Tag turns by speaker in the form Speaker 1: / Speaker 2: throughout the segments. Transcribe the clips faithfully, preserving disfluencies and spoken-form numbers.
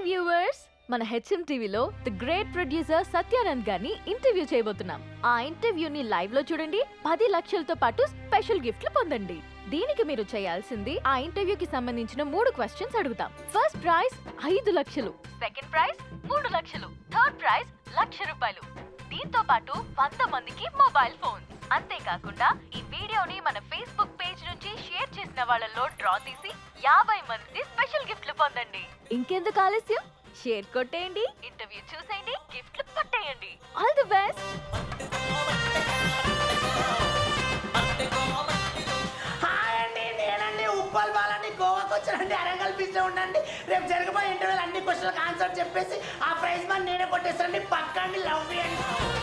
Speaker 1: Hi viewers, మన HM టీవీలో the great producer Satyanand గారిని ఇంటర్వ్యూ చేయబోతున్నాం. ఆ ఇంటర్వ్యూని లైవ్ లో చూడండి, పది లక్షలతో పాటు స్పెషల్ గిఫ్ట్లు పొందండి. దీనికి మీరు చేయాల్సింది ఆ ఇంటర్వ్యూకి సంబంధించిన మూడు క్వశ్చన్స్ అడుగుతాం. ఫస్ట్ ప్రైజ్ ఐదు లక్షలు, సెకండ్ ప్రైజ్ మూడు లక్షలు, థర్డ్ ప్రైజ్ లక్ష రూపాయలు. దీంతో పాటు వంద మందికి మొబైల్ ఫోన్. అంతేకాకుండా ఈ వీడియోని మన ఫేస్బుక్ పేజ్ నుంచి షేర్ చేసిన వాళ్ళలో డ్రా తీసి యాభై మంది స్పెషల్ గిఫ్ట్లు పొందండి. ఇంకెందుకు ఆలస్యం, షేర్ కొట్టేయండి, ఇంటర్వ్యూ చూసేయండి, గిఫ్ట్లు పట్టేయండి. All the best.
Speaker 2: హాయ్ అండి, నేనండి ఉప్పల్ బాలండి. గోవాకి వచ్చానండి, అరంగల్ బీచ్ లో ఉండండి. రేపు జరగబోయే ఇంటర్వ్యూలు అన్ని క్వశ్చన్లకు ఆన్సర్ చెప్పేసి ఆ ప్రైజ్ మనీ నేనే కొట్టేస్తానండి. పక్కండి, లవ్ చేయండి.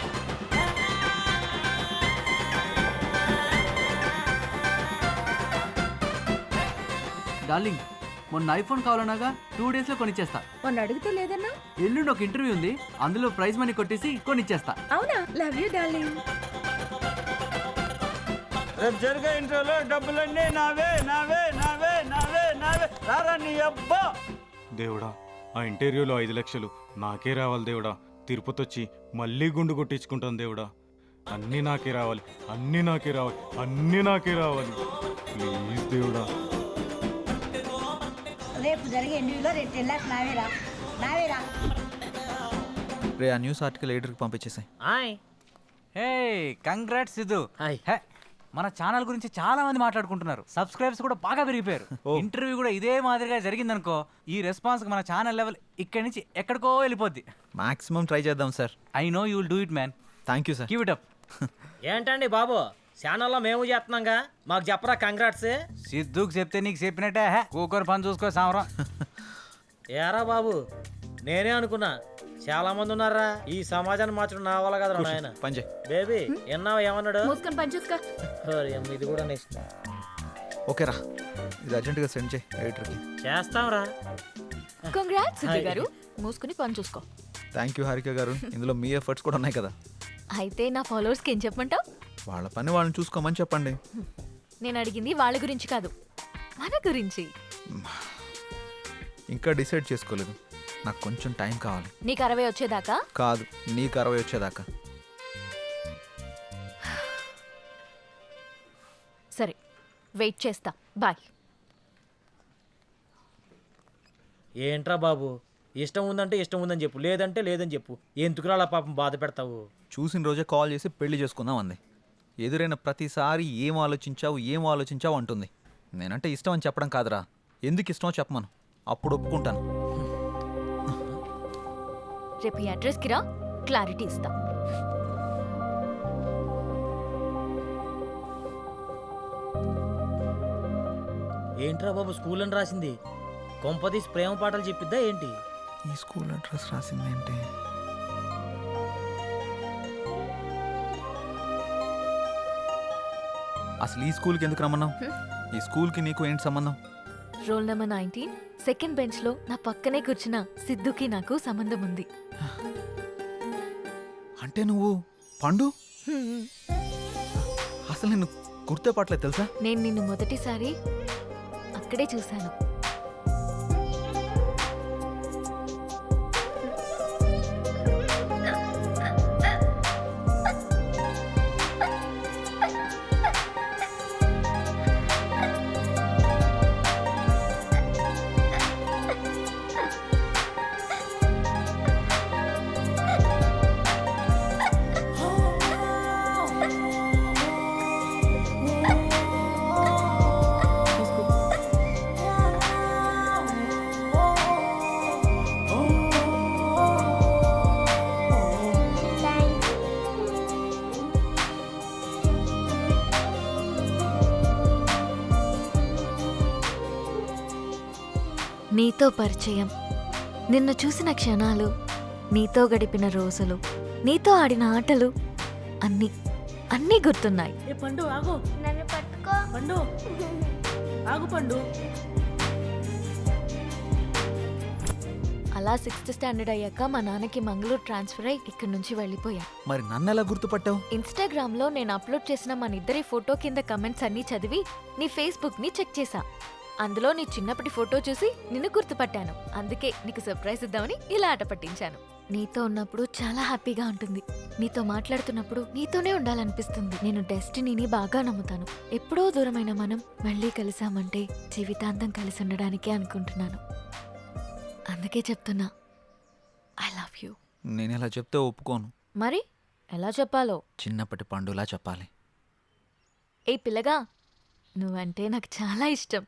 Speaker 3: డార్లింగ్, మొన్న ఐఫోన్ కావాలన్నాగా టూ డేస్ లో కొనిచ్చేస్తా.
Speaker 4: మొన్న అడిగితే లేదన్నా?
Speaker 3: ఎల్లుండి ఒక ఇంటర్వ్యూ ఉంది, అందులో ప్రైజ్ మనీ కొట్టేసి కొనిచ్చేస్తా.
Speaker 4: అవునా? Love you darling.
Speaker 5: రేపు జరిగే ఇంటర్వ్యూలో డబ్బులన్నీ నావే నావే నావే నావే నావే రారా నీ అబ్బా.
Speaker 6: దేవుడా, ఆ ఇంటర్వ్యూలో ఐదు లక్షలు నాకే రావాలి దేవుడా. తిరుపతి వచ్చి మళ్ళీ గుండు కొట్టించుకుంటాను దేవుడా. అన్నీ నాకే రావాలి, అన్నీ నాకే రావాలి, అన్నీ నాకే రావాలి. ప్లీజ్ దేవుడా.
Speaker 7: రేపు జరిగే ఇంటర్వ్యూలో రేపు టెన్ లాక్స్ నావేరా నావేరా.
Speaker 8: రే, ఆ న్యూస్ ఆర్టికల్ ఎడిటర్కి పంపించేసాయి.
Speaker 9: Hi.
Speaker 3: Hey, congrats Siddhu.
Speaker 9: Hi.
Speaker 3: Hey, మన ఛానల్ గురించి చాలా మంది మాట్లాడుకుంటున్నారు. సబ్స్క్రైబర్స్ కూడా బాగా పెరిగిపోయారు. ఇంటర్వ్యూ కూడా ఇదే మాదిరిగా జరిగిందనుకో, ఈ రెస్పాన్స్ మన ఛానల్ లెవెల్ ఇక్కడి నుంచి ఎక్కడికో వెళ్ళిపోద్ది.
Speaker 8: మాక్సిమం ట్రై చేద్దాం sir.
Speaker 3: I know you will do it man.
Speaker 8: Thank you sir.
Speaker 3: Keep it up.
Speaker 9: ఏంటండి బాబు, ఛానల్లో మేము చేస్తున్నాంగా, మాకు చెప్పరా కంగ్రాట్స్.
Speaker 3: సిద్ధుకి చెప్తే నీకు చెప్పినట్టే. హే, కూకొని పని చూసుకో సామరం.
Speaker 9: ఏరా బాబు, నేనే అనుకున్నా చాలా మంది ఉన్నారా ఈ సమాజాన్ని మార్చడం నా వల్ల కదరా నాయన.
Speaker 8: పని చేయి.
Speaker 9: బేబీ ఎన్నావు ఏమన్నాడు?
Speaker 4: మూసుకొని పని చూసుకో.
Speaker 9: ఓరి అమ్మ, ఇది కూడా నెక్స్ట్
Speaker 8: ఓకే రా, ఇది అర్జెంటుగా సెండ్ చేయి ఎడిటర్కి.
Speaker 9: చేస్తాంరా.
Speaker 1: కంగ్రాట్స్ సిద్ధు గారు, మూసుకుని పని చూసుకో.
Speaker 8: థ్యాంక్ యూ హారిక గారు, ఇందులో మీ ఎఫర్ట్స్ కూడా ఉన్నాయి కదా.
Speaker 1: అయితే నా ఫాలోవర్స్కి ఏం చెప్పమంటావు?
Speaker 8: వాళ్ళ పని వాళ్ళని చూసుకోమని చెప్పండి.
Speaker 1: నేను అడిగింది వాళ్ళ గురించి కాదు, మన గురించి.
Speaker 8: ఇంకా డిసైడ్ చేసుకోలేదు, నాకు కొంచెం టైం కావాలి.
Speaker 1: నీకు అరవై వచ్చేదాకా?
Speaker 8: కాదు, నీకు అరవై వచ్చేదాకా.
Speaker 1: సరే, వెయిట్ చేస్తా. బాయ్.
Speaker 9: ఏంట్రా బాబు, ఇష్టం ఉందంటే ఇష్టం ఉందని చెప్పు, లేదంటే లేదని చెప్పు. ఎందుకురా అలా పాపం బాధ పెడతావు?
Speaker 8: చూసిన రోజే కాల్ చేసి పెళ్లి చేసుకుందాం అంది. ఎదురైన ప్రతిసారి ఏం ఆలోచించావు ఏం ఆలోచించావు అంటుంది. నేనంటే ఇష్టం అని చెప్పడం కాదురా, ఎందుకు ఇష్టమో చెప్పమను, అప్పుడు ఒప్పుకుంటాను.
Speaker 1: రేపు ఈ అడ్రస్కి రా, క్లారిటీ ఇస్తా.
Speaker 9: ఏంట్రా బాబు, స్కూల్ అని రాసింది. కొంపదీసి ప్రేమ పాటలు చెప్పిద్దా ఏంటి?
Speaker 8: ఈ స్కూల్ అడ్రస్ రాసిందేంటి? అసలు ఈ స్కూల్కి ఎందుకు రమ్మన్నావు? ఈ స్కూల్కి నీకు ఏంటి సంబంధం?
Speaker 1: Roll number nineteen, second bench లో నా పక్కనే కూర్చున్న సిద్ధుకి నాకు సంబంధం ఉంది.
Speaker 8: అంటే నువ్వు పండు? అసలు నేను గుర్తుపట్టలేదు తెలుసా?
Speaker 1: నేను నిన్ను మొదటిసారి అక్కడే చూశాను. నీతో పరిచయం, నిన్ను చూసిన క్షణాలు, నీతో గడిపిన రోజులు, నీతో ఆడిన ఆటలు అన్నీ అన్నీ గుర్తున్నాయి.
Speaker 4: ఏ పండు ఆగు,
Speaker 7: నన్ను పట్టుకో.
Speaker 4: పండు ఆగు పండు.
Speaker 1: అలా సిక్స్త్ స్టాండర్డ్ అయ్యాక మా నాన్నకి మంగళూరు ట్రాన్స్ఫర్ అయ్యి ఇక్కడి నుంచి వెళ్ళిపోయా.
Speaker 8: మరి నన్ను ఎలా గుర్తుపట్టావు?
Speaker 1: ఇన్స్టాగ్రామ్ లో నేను అప్లోడ్ చేసిన మన ఇద్దరి ఫోటో కింద కమెంట్స్ అన్ని చదివి నీ ఫేస్బుక్ ని చెక్ చేశా. అందులో నీ చిన్నప్పటి ఫోటో చూసి నిన్ను గుర్తుపట్టాను. అందుకే నీకు సర్ప్రైజ్ ఇద్దామని ఇలా ఆట పట్టించాను. నీతో ఉన్నప్పుడు చాలా హ్యాపీగా ఉంటుంది. నీతో మాట్లాడుతున్నప్పుడు నీతోనే ఉండాలనిపిస్తుంది. నేను డెస్టినీని బాగా నమ్ముతాను. ఎప్పుడో దూరమైన మనం మళ్ళీ కలిసామంటే జీవితాంతం కలిసి ఉండడానికే అనుకుంటున్నాను. అందుకే చెప్తున్నా ఐ లవ్ యూ.
Speaker 8: నేను ఇలా చెప్తే ఒప్పుకోను.
Speaker 1: మరి ఎలా చెప్పాలో?
Speaker 8: చిన్నప్పటి పండులా చెప్పాలి.
Speaker 1: ఏ పిల్లగా, నువ్వంటే నాకు చాలా ఇష్టం.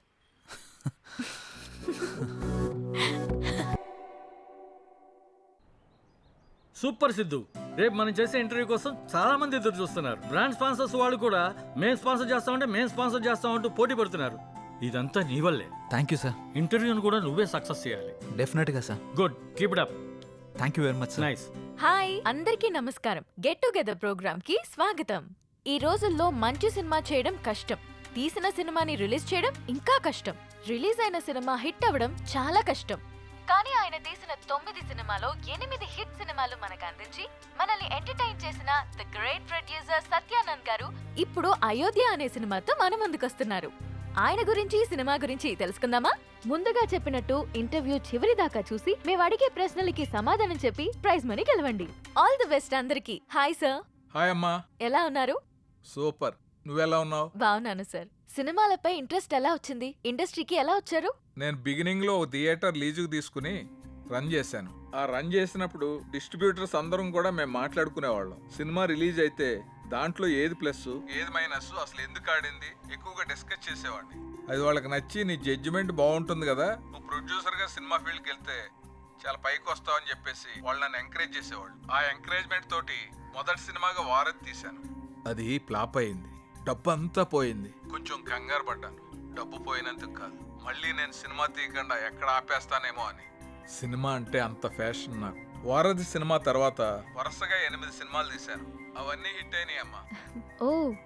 Speaker 5: సూపర్ సిద్ధు, రేపు మనం చేసే ఇంటర్వ్యూ కోసం చాలా మంది ఎదురు చూస్తున్నారు. బ్రాండ్ స్పాన్సర్స్ వాళ్ళు కూడా మేం స్పాన్సర్ చేస్తామంటే మేం స్పాన్సర్ చేస్తామంటూ పోటీ పడుతున్నారు. ఇదంతా నీ వల్లే.
Speaker 8: Thank you sir.
Speaker 5: ఇంటర్వ్యూను కూడా నువ్వే సక్సెస్ చేయాలి.
Speaker 8: డెఫినెట్గా sir.
Speaker 5: Good, keep it up.
Speaker 8: Thank you very much sir.
Speaker 5: Nice.
Speaker 1: Hi అందరికీ నమస్కారం. గెట్ టుగెదర్ ప్రోగ్రామ్ కి స్వాగతం. ఈ రోజుల్లో మంచి సినిమా చేయడం కష్టం. తీసిన సినిమాని రిలీజ్ చేయడం ఇంకా కష్టం. రిలీజ్ అయిన సినిమా హిట్ అవ్వడం చాలా కష్టం. కానీ ఆయన తీసిన తొమ్మిది సినిమాలో ఎనిమిది హిట్ సినిమాలు మనకు అందించి మనల్ని ఎంటర్టైన్ చేసిన ది గ్రేట్ ప్రొడ్యూసర్ సత్యానంద్ గారు ఇప్పుడు అయోధ్య అనే సినిమాతో మన ముందుకొస్తున్నారు. ఆయన గురించి సినిమా గురించి తెలుసుకుందామా? ముందుగా చెప్పినట్టు ఇంటర్వ్యూ చివరి దాకా చూసి మేము అడిగే ప్రశ్నలకి సమాధానం చెప్పి ప్రైజ్ మనీ గెలవండి. ఆల్ ది బెస్ట్ అందరికి. Hi sir.
Speaker 10: హాయ్ అమ్మా.
Speaker 1: ఎలా ఉన్నారు?
Speaker 10: సూపర్. నువ్వెలా ఉన్నావు?
Speaker 1: బాగున్నాను సార్. సినిమాలపై ఇంట్రెస్ట్ ఎలా వచ్చింది? ఇండస్ట్రీకి ఎలా వచ్చారు?
Speaker 10: నేను బిగినింగ్ లో ఒక థియేటర్ లీజుకు తీసుకుని రన్ చేశాను. ఆ రన్ చేసినప్పుడు డిస్ట్రిబ్యూటర్స్ అందరం కూడా మేము మాట్లాడుకునేవాళ్ళం. సినిమా రిలీజ్ అయితే దాంట్లో ఏది ప్లస్ ఏది మైనస్ అసలు ఎందుకు ఆడింది ఎక్కువగా డిస్కస్ చేసేవాడిని. అది వాళ్ళకి నచ్చి నీ జడ్జిమెంట్ బాగుంటుంది కదా, నువ్వు ప్రొడ్యూసర్ గా సినిమా ఫీల్డ్కి వెళ్తే చాలా పైకి వస్తావు అని చెప్పేసి వాళ్ళు నన్ను ఎంకరేజ్ చేసేవాళ్ళు. ఆ ఎంకరేజ్మెంట్ తోటి మొదటి సినిమాగా వారధి తీశాను. అది ఫ్లాప్ అయింది. డబ్బు అంతా పోయింది. కొంచెం కంగారు పడ్డాను. డబ్బు పోయినందుకు కాదు, మళ్ళీ నేను సినిమా తీయకుండా ఎక్కడ ఆపేస్తానేమో అని. సినిమా అంటే అంత ఫ్యాషన్ నాకు. వారధి సినిమా తర్వాత వరుసగా ఎనిమిది సినిమాలు తీశాను. అవన్నీ హిట్ అయినాయి అమ్మా.
Speaker 1: ఓ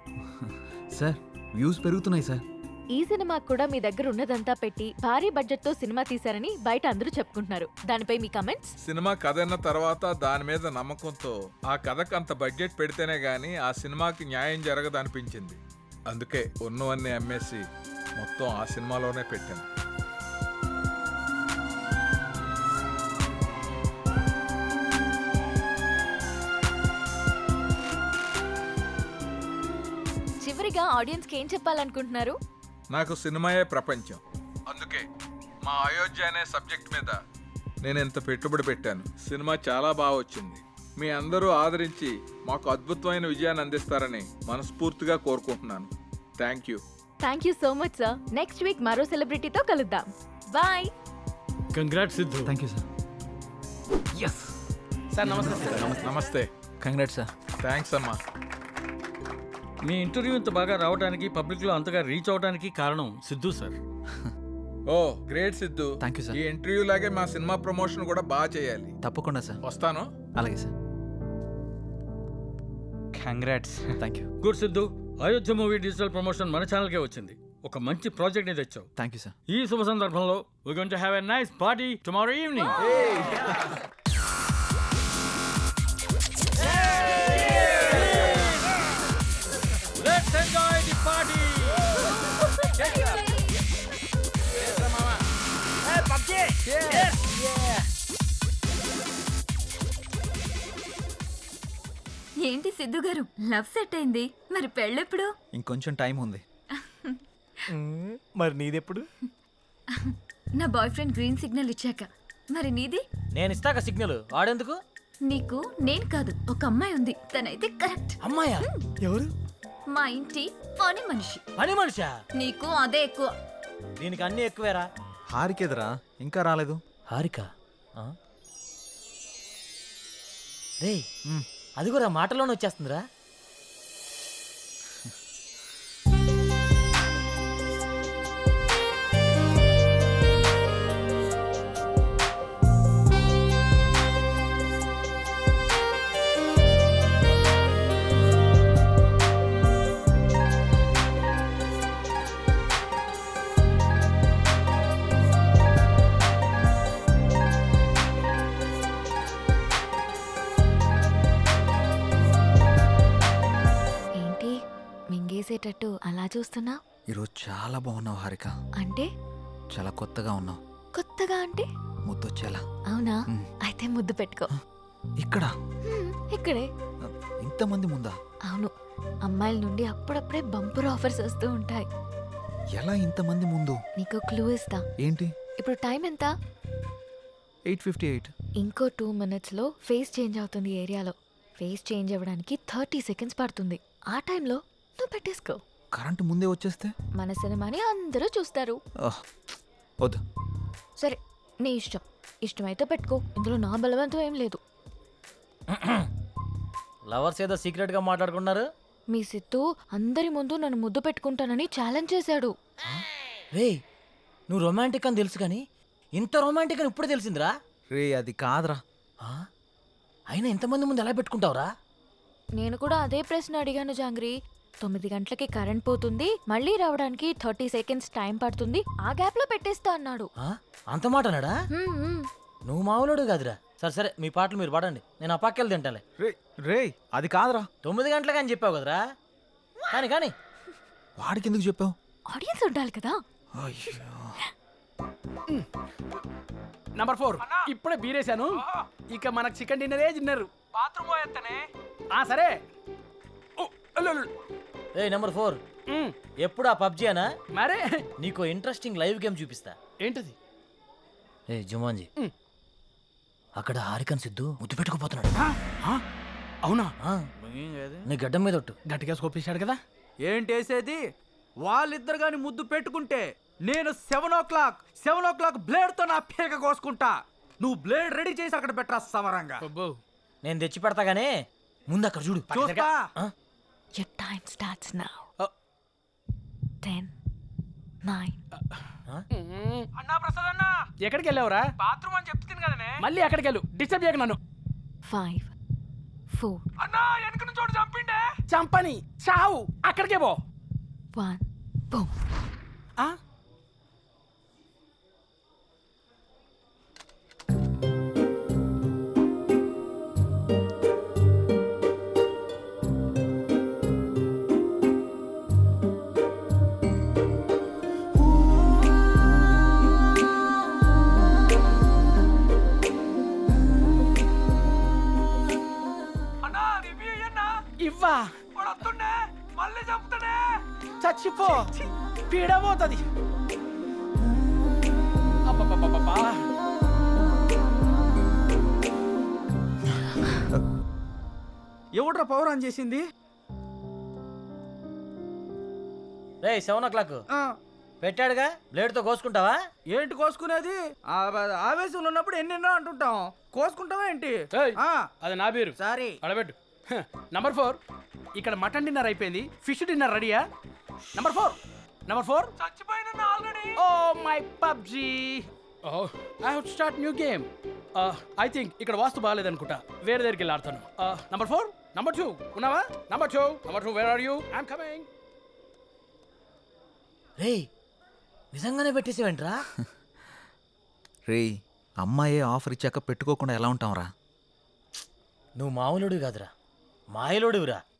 Speaker 8: సార్ వ్యూస్ పెరుగుతున్నాయి సార్.
Speaker 1: ఈ సినిమా కూడా మీ దగ్గర ఉన్నదంతా పెట్టి భారీ బడ్జెట్ తో సినిమా తీశారని బయట అందరూ చెప్పుకుంటున్నారు. దానిపై మీ కమెంట్స్?
Speaker 10: సినిమా కథ అన్న తర్వాత దాని మీద నమ్మకంతో ఆ కథకు అంత బడ్జెట్ పెడితేనే గానీ ఆ సినిమాకి న్యాయం జరగదు అనిపించింది. అందుకే ఉన్నవన్నీ అమ్మేసి మొత్తం ఆ సినిమాలోనే పెట్టాను.
Speaker 1: చివరిగా ఆడియన్స్ కి ఏం చెప్పాలనుకుంటున్నారు?
Speaker 10: నాకు సినిమాయే ప్రపంచం. అందుకే మా అయోధ్య అనే సబ్జెక్ట్ మీద నేను ఎంత పెట్టుబడి పెట్టాను. సినిమా చాలా బాగా వచ్చింది. మీ అందరూ ఆదరించి మాకు అద్భుతమైన విజయాన్ని అందిస్తారని మనస్ఫూర్తిగా కోరుకుంటున్నాను. Thank you.
Speaker 1: Thank you so much sir. Next week మరో సెలబ్రిటీతో కలుద్దాం. Bye.
Speaker 5: Congrats Siddhu.
Speaker 8: Thank you sir. Yes
Speaker 2: sir నమస్తే సార్.
Speaker 10: నమస్తే.
Speaker 8: Congrats sir.
Speaker 10: థ్యాంక్స్ అమ్మా.
Speaker 5: మీ ఇంటర్వ్యూ ఇంత బాగా రావడానికి, పబ్లిక్ లో అంతగా రీచ్ అవడానికి కారణం సిద్ధు సార్.
Speaker 10: ఓ great Siddhu.
Speaker 8: Thank you sir.
Speaker 10: ఈ ఇంటర్వ్యూ లాగే మా సినిమా ప్రమోషన్ కూడా బాగా చేయాలి.
Speaker 8: తప్పకుండా సార్.
Speaker 10: వస్తాను.
Speaker 8: అలాగే sir.
Speaker 3: Congrats.
Speaker 8: Thank you.
Speaker 5: Good Siddhu, Ayodhya movie digital promotion మన ఛానల్కే వచ్చింది. ఒక మంచి ప్రాజెక్ట్ ని తెచ్చావు.
Speaker 8: Thank you sir.
Speaker 5: ఈ శుభ సందర్భంలో we're going to have a nice party tomorrow evening. Let's enjoy the party.
Speaker 4: ఏంటి సిద్ధు గారు, లవ్ సెట్ అయింది, మరి పెళ్ళెప్పుడు?
Speaker 8: ఇంకొంచెం టైం ఉంది.
Speaker 9: మరి నీదెప్పుడు?
Speaker 4: నా బాయ్ ఫ్రెండ్ గ్రీన్ సిగ్నల్ ఇచ్చాక. మరి నీది?
Speaker 9: నేను ఇస్తాక సిగ్నల్ ఆడేందుకు?
Speaker 4: నీకు నేను కాదు, ఒక అమ్మాయి ఉంది, తనైతే కరెక్ట్.
Speaker 9: అమ్మాయా? ఎవరు?
Speaker 4: మా ఇంటి పని మనిషి.
Speaker 9: పని మనిషా?
Speaker 4: నీకు అదే ఎక్కువ.
Speaker 9: దీనికి అన్ని ఎక్కువేరా.
Speaker 8: హారికేదరా ఇంకా రాలేదు.
Speaker 9: హారిక రే, అది కూడా మాటలోనే వచ్చేస్తుందిరా.
Speaker 1: ఏంటి మింగేసేటట్టు అలా చూస్తున్నా?
Speaker 8: ఈరోజు చాలా బాగున్నావు హారిక.
Speaker 1: అంటే
Speaker 8: చాలా కొత్తగా ఉన్నావు.
Speaker 1: కొత్తగా అంటే?
Speaker 8: ముద్దొచ్చేలా.
Speaker 1: అవునా?
Speaker 8: మ్.
Speaker 1: అయితే ముద్దు పెట్టుకో.
Speaker 8: ఇక్కడ
Speaker 1: హ్మ్, ఇక్కడే.
Speaker 8: ఇంతమంది ముందా?
Speaker 1: అవును, అమ్మాయిల నుండి అప్పుడప్పుడే బంపర్ ఆఫర్స్ వస్తూ ఉంటాయి.
Speaker 8: ఎలా ఇంతమంది ముందు?
Speaker 1: నీకు క్లూ ఇస్తా.
Speaker 8: ఏంటి?
Speaker 1: ఇప్పుడు టైం ఎంత?
Speaker 8: Eight fifty eight.
Speaker 1: ఇంకో టూ మినిట్స్లో ఫేస్ చేంజ్ అవుతుంది ఏరియాలో. ఫేస్ చేంజ్ అవ్వడానికి థర్టీ సెకండ్స్ పడుతుంది. ఆ టైంలో నువ్వు పెట్టేసుకో.
Speaker 8: కరెంటు ముందే వచ్చేస్తే?
Speaker 1: మన సినిమాని అందరూ చూస్తారు.
Speaker 8: ఆహ్, వద్దు.
Speaker 1: సరే, నీ ఇష్టం. ఇష్టమైతే పెట్టుకో, ఇందులో నా బలవంతం ఏం లేదు.
Speaker 9: లవర్స్ ఏదో సీక్రెట్ గా మాట్లాడుకున్నారు.
Speaker 1: మీ సిత్తు అందరి ముందు నన్ను ముద్దు పెట్టుకుంటానని ఛాలెంజ్ చేశాడు.
Speaker 9: రే, నువ్వు రొమాంటిక్ అని తెలుసు కానీ ఇంత రొమాంటిక్ అని ఇప్పుడు తెలిసిందిరా.
Speaker 8: రే అది కాదురా.
Speaker 9: ఆ? అయినా ఇంతమంది ముందు ఎలా పెట్టుకుంటావురా?
Speaker 1: నేను కూడా అదే ప్రశ్న అడిగాను జాంగ్రీ. తొమ్మిది గంటలకి కరెంట్ పోతుంది, మళ్ళీ రావడానికి థర్టీ సెకండ్స్ టైం పడుతుంది, ఆ గ్యాప్ లో పెట్టేస్తా అన్నాడు.
Speaker 9: ఆ? అంత మాట అన్నాడా?
Speaker 1: హ్మ్, హ్మ్.
Speaker 9: నువ్వు మామూలుడు కాదురా. సరే సరే, మీ పాటలు మీరు పాడండి, నేను ఆ పక్కెళ్ళి తింటాలే.
Speaker 8: రే రే అది కాదురా.
Speaker 9: తొమ్మిది గంటలకు అని చెప్పావు కదరా. కానీ కానీ
Speaker 8: వాడికి ఎందుకు చెప్పావు?
Speaker 1: ఆడియన్స్ ఉండాలి కదా.
Speaker 8: అయ్యో.
Speaker 11: నంబర్ ఫోర్ ఇప్పుడే బీరేశాను. ఇక మనకు చికెన్ డిన్నరే తిన్నారు. బాత్రూమ్ పోయేస్తానే. ఆ సరే. ఓ, అల్లు, అల్లు.
Speaker 9: ఏ నెంబర్ ఫోర్,
Speaker 11: మ్,
Speaker 9: ఎప్పుడు ఆ పబ్జీ అనా?
Speaker 11: మరే
Speaker 9: నీకు ఇంట్రెస్టింగ్ లైవ్ గేమ్ చూపిస్తా.
Speaker 11: ఏంటిది?
Speaker 9: ఏ జుమాన్జీ,
Speaker 11: మ్.
Speaker 9: అక్కడ హారికన్ సిద్ధు ముద్దు పెట్టుకుపోతున్నాడు.
Speaker 11: ఆ, ఆ, అవునా?
Speaker 9: ఆ, నీ గడ్డం మీద ఒట్టు.
Speaker 11: గట్టిగా స్కోపేశాడు కదా.
Speaker 3: ఏంటేసేది? వాళ్ళిద్దరు గాని ముద్దు పెట్టుకుంటే నేను seven o'clock seven o'clock blade తో నా పేక కోసుకుంటా. నువ్వు బ్లేడ్ రెడీ చేసి అక్కడ పెట్టరా సమరంగా.
Speaker 11: అబ్బో.
Speaker 9: నేను తెచ్చి పెడతా గానీ ముందు అక్కడ చూడు.
Speaker 3: చూస్తా.
Speaker 9: ఆ?
Speaker 1: Your time starts now.
Speaker 11: Uh.
Speaker 1: ten, nine,
Speaker 11: మ్, అన్నా ప్రసాద్ అన్న ఎక్కడికి వెళ్ళావురా? బాత్రూమ్ అని చెప్తుంది కదనే. మళ్ళీ ఎక్కడికి వెళ్ళు, డిస్టర్బ్ చేయకు నన్ను.
Speaker 1: five, four,
Speaker 11: అన్నా వెనక చోటు చంపిండే. చంపని చావు, అక్కడికే పో.
Speaker 1: one, boom.
Speaker 11: ఆ? ఇవ్వా వస్తుండే, మళ్ళీ చంపుతాడే. చచ్చిపో, పీడబోతుంది. అబ్బబ్బబ్బబ్బా.
Speaker 3: ఎవడ్రా పవర్ ఆన్ చేసింది?
Speaker 9: రే సెవెన్ ఓ క్లాక్ పెట్టాడుగా, బ్లేడ్ తో కోసుకుంటావా?
Speaker 3: ఏంటి కోసుకునేది? ఆ, ఆవేశంలో ఉన్నప్పుడు ఎన్నెన్నో అంటుంటాం. కోసుకుంటావా ఏంటి?
Speaker 11: ఏయ్,
Speaker 3: ఆ,
Speaker 11: అది నా పేరు.
Speaker 3: సారీ.
Speaker 11: అడబెట్టు. నంబర్ ఫోర్, ఇక్కడ మటన్ డిన్నర్ అయిపోయింది, ఫిష్ డిన్నర్ రెడీయా? నంబర్ ఫోర్ నంబర్ ఫోర్ చచ్చిపోయిన already. Oh my PUBG. Oh I have start new game. I think ఇక్కడ వాస్తు బాగాలేదనుకుంటా, వేరే దగ్గరికి వెళ్ళి ఆడతాను. నంబర్ ఫోర్, నంబర్ టూ ఉన్నావా? Number two number two where are you? I'm coming.
Speaker 9: రే నిజంగానే పెట్టేసేవేంట్రా?
Speaker 8: రే అమ్మాయే ఆఫర్ ఇచ్చాక పెట్టుకోకుండా ఎలా ఉంటాంరా?
Speaker 9: నువ్వు మామూలుడు కాదురా, మాయలోడురా.